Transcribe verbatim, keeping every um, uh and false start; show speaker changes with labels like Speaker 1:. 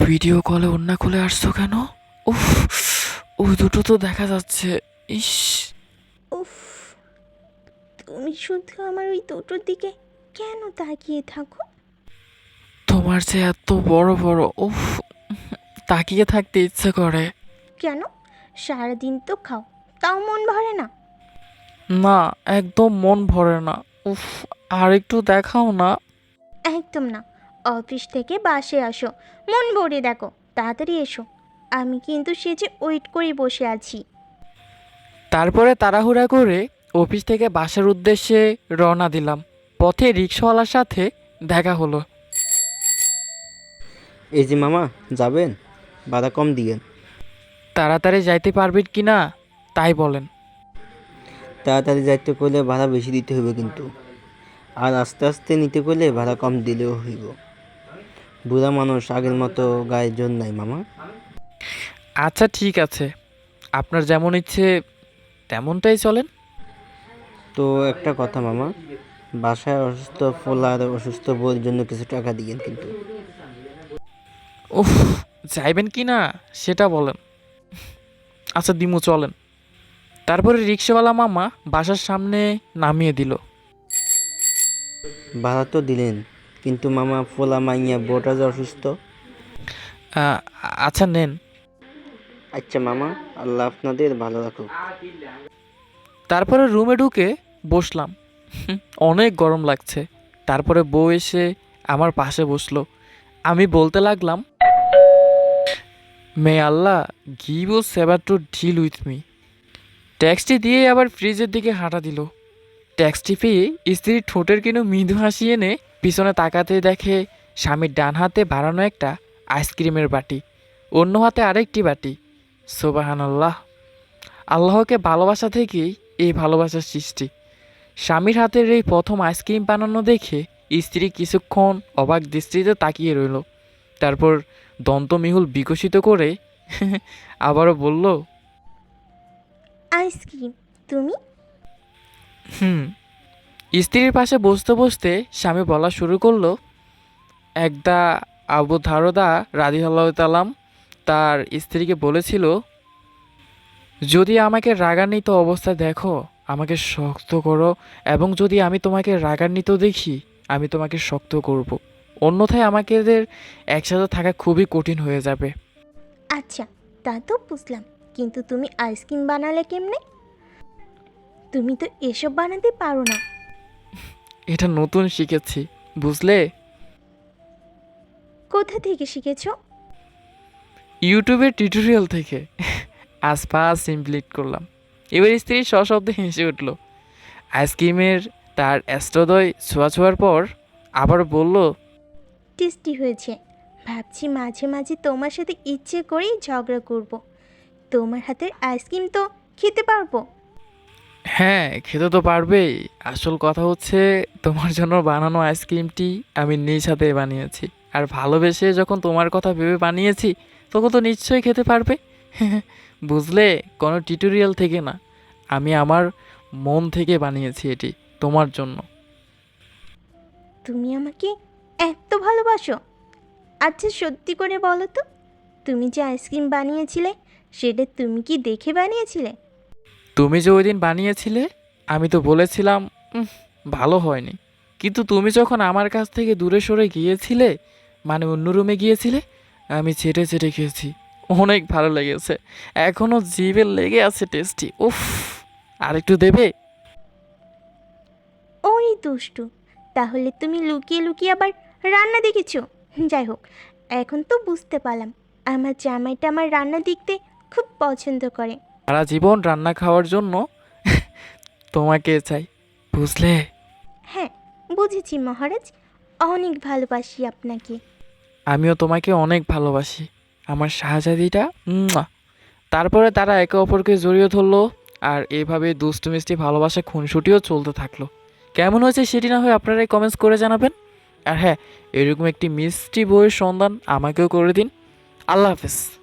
Speaker 1: Video কলে ওড়না খুলে আসছো কেন? উফ, ওই দুটো তো দেখা যাচ্ছে। ইস,
Speaker 2: উফ, তুমি শুধু আমার ওই দুটোর দিকে কেন তাকিয়ে থাকো?
Speaker 1: তোমার যে এত বড় বড়, উফ, তাকিয়ে থাকতে ইচ্ছে করে।
Speaker 2: কেন? সারাদিন তো খাও, তাও মন ভরে না?
Speaker 1: না, একদম মন ভরে না। উফ, আর একটু দেখাও না।
Speaker 2: একদম না। অফিস থেকে বাসে আসো, মন ভরে দেখো, তাড়াতাড়ি এসো। আমি কিন্তু সেজে ওয়েট করে বসে আছি।
Speaker 1: তারপরে তাড়াহুড়া করে অফিস থেকে বাসার উদ্দেশ্যে রওনা দিলাম। পথে রিক্সাওয়ালার সাথে দেখা হলো।
Speaker 3: এই যে মামা, যাবেন? ভাড়া কম দিয়েন।
Speaker 1: তাড়াতাড়ি যাইতে পারবেন কি না তাই বলেন।
Speaker 3: তাড়াতাড়ি যাইতে করলে ভাড়া বেশি দিতে হইব কিন্তু, আর আস্তে আস্তে নিতে করলে ভাড়া কম দিলেও হইব। বুড়া মানুষ, আগের মতো গায়ে জোর নাই মামা।
Speaker 1: আচ্ছা ঠিক আছে, আপনার যেমন ইচ্ছে তেমনটাই চলেন।
Speaker 3: তো একটা কথা মামা, বাসায় অসুস্থ ফোলা আর অসুস্থ বউর জন্য কিছু টাকা দিয়েন কিন্তু।
Speaker 1: উফ, যাইবেন কি না সেটা বলেন। আচ্ছা দিমু, চলেন। তারপরে রিক্সাওয়ালা মামা বাসার সামনে নামিয়ে দিল।
Speaker 3: ভাড়া তো দিলেন, কিন্তু মামা ফোলা মাইয়া বউটা যে অসুস্থ।
Speaker 1: আহ, আচ্ছা নেন।
Speaker 3: আচ্ছা মামা, আল্লাহ আপনাদের ভালো রাখুক।
Speaker 1: তারপরে রুমে ঢুকে বসলাম। হুম, অনেক গরম লাগছে। তারপরে বউ এসে আমার পাশে বসলো। আমি বলতে লাগলাম, may Allah give a saver to deal with me. ট্যাক্সটি দিয়ে আবার ফ্রিজের দিকে হাঁটা দিল। ট্যাক্সটি পেয়ে স্ত্রীর ঠোঁটের কিনু মৃদু হাসি এনে পিছনে তাকাতে দেখে স্বামীর ডান হাতে বাড়ানো একটা আইসক্রিমের বাটি, অন্য হাতে আরেকটি বাটি। সোবাহান আল্লাহ, আল্লাহকে ভালোবাসা থেকেই এই ভালোবাসার সৃষ্টি। স্বামীর হাতের এই প্রথম আইসক্রিম বানানো দেখে স্ত্রী কিছুক্ষণ অবাক দৃষ্টিতে তাকিয়ে রইল। তারপর দন্তমিহুল বিকশিত করে আবারও বলল,
Speaker 2: আইসক্রিম? তুমি?
Speaker 1: হুম। স্ত্রীর পাশে বসতে বসতে স্বামী বলা শুরু করলো, একদা আবু ধারদা রাদিয়াল্লাহু তাআলা তার স্ত্রীকে বলেছিল, যদি আমাকে রাগান্বিত অবস্থায় দেখো আমাকে শক্ত করো, এবং যদি আমি তোমাকে রাগান্বিত দেখি আমি তোমাকে শক্ত করব, অন্যথায় আমাদের একসাথে থাকা খুবই কঠিন হয়ে যাবে।
Speaker 2: আচ্ছা, তা তো বুঝলাম, কিন্তু তুমি আইসক্রিম বানালে কেমনে? তুমি তো এসব বানাতে পারো না।
Speaker 1: এটা নতুন শিখেছি, বুঝলে।
Speaker 2: কোথা থেকে শিখেছো?
Speaker 1: ইউটিউবের টিউটোরিয়াল থেকে। আজ ফার্স্ট ইমপ্লিট করলাম। এবার স্ত্রী সশব্দে হেসে উঠল। আইসক্রিমের তার অ্যাস্ট্রোদয় ছোঁয়া ছোঁয়ার পর আবার বলল,
Speaker 2: টেস্টি হয়েছে। ভাবছি মাঝে মাঝে তোমার সাথে ইচ্ছে করেই ঝগড়া করব। তোমার হাতের আইসক্রিম তো খেতে পারবো।
Speaker 1: হ্যাঁ খেতে তো পারবেই। আসল কথা হচ্ছে তোমার জন্য বানানো আইসক্রিমটি আমি নিজ হাতে বানিয়েছি, আর ভালোবেসে যখন তোমার কথা ভেবে বানিয়েছি তখন তো নিশ্চয়ই খেতে পারবে। বুঝলে, কোনো টিউটোরিয়াল থেকে না, আমি আমার মন থেকে বানিয়েছি এটি তোমার জন্য।
Speaker 2: তুমি আমাকে এত ভালোবাসো? আচ্ছা সত্যি করে বলো তো, তুমি যে আইসক্রিম বানিয়েছিলে সেটা তুমি কি দেখে বানিয়েছিলে?
Speaker 1: তুমি যে ওই দিন বানিয়েছিলে আমি তো বলেছিলাম, "উম, ভালো হয়নি", কিন্তু তুমি যখন আমার কাছ থেকে দূরে সরে গিয়েছিলে, মানে অন্য রুমে গিয়েছিলে, আমি চেটে চেটে খেয়েছি। অনেক ভালো লেগেছে, এখনো জিভে লেগে আছে টেস্টি। উফ, আর একটু দেবে?
Speaker 2: ওই দুষ্টু, তাহলে তুমি লুকিয়ে লুকিয়ে আবার রান্না দেখেছো? যাই হোক, এখন তো বুঝতে পারলাম আমার জামাইটা আমার রান্না দেখতে খুব পছন্দ করে।
Speaker 1: সারা জীবন রান্না খাওয়ার জন্য তোমাকে চাই, বুঝলে।
Speaker 2: হ্যাঁ, বুঝেছি মহারাজ, অনেক ভালোবাসি আপনাকে।
Speaker 1: আমিও তোমাকে অনেক ভালোবাসি আমার শাহজাদিটা। উম্মুয়া। তারপরে তারা একে অপরকে জড়িয়ে ধরলো, আর এভাবে দুষ্টু মিষ্টি ভালোবাসা খুনসুটিও চলতে থাকলো। কেমন হয়েছে সেটি না হয় আপনারাই কমেন্টস করে জানাবেন। আর হ্যাঁ, এরকম একটি মিষ্টি বইয়ের সন্ধান আমাকেও করে দিন। আল্লাহ হাফেজ।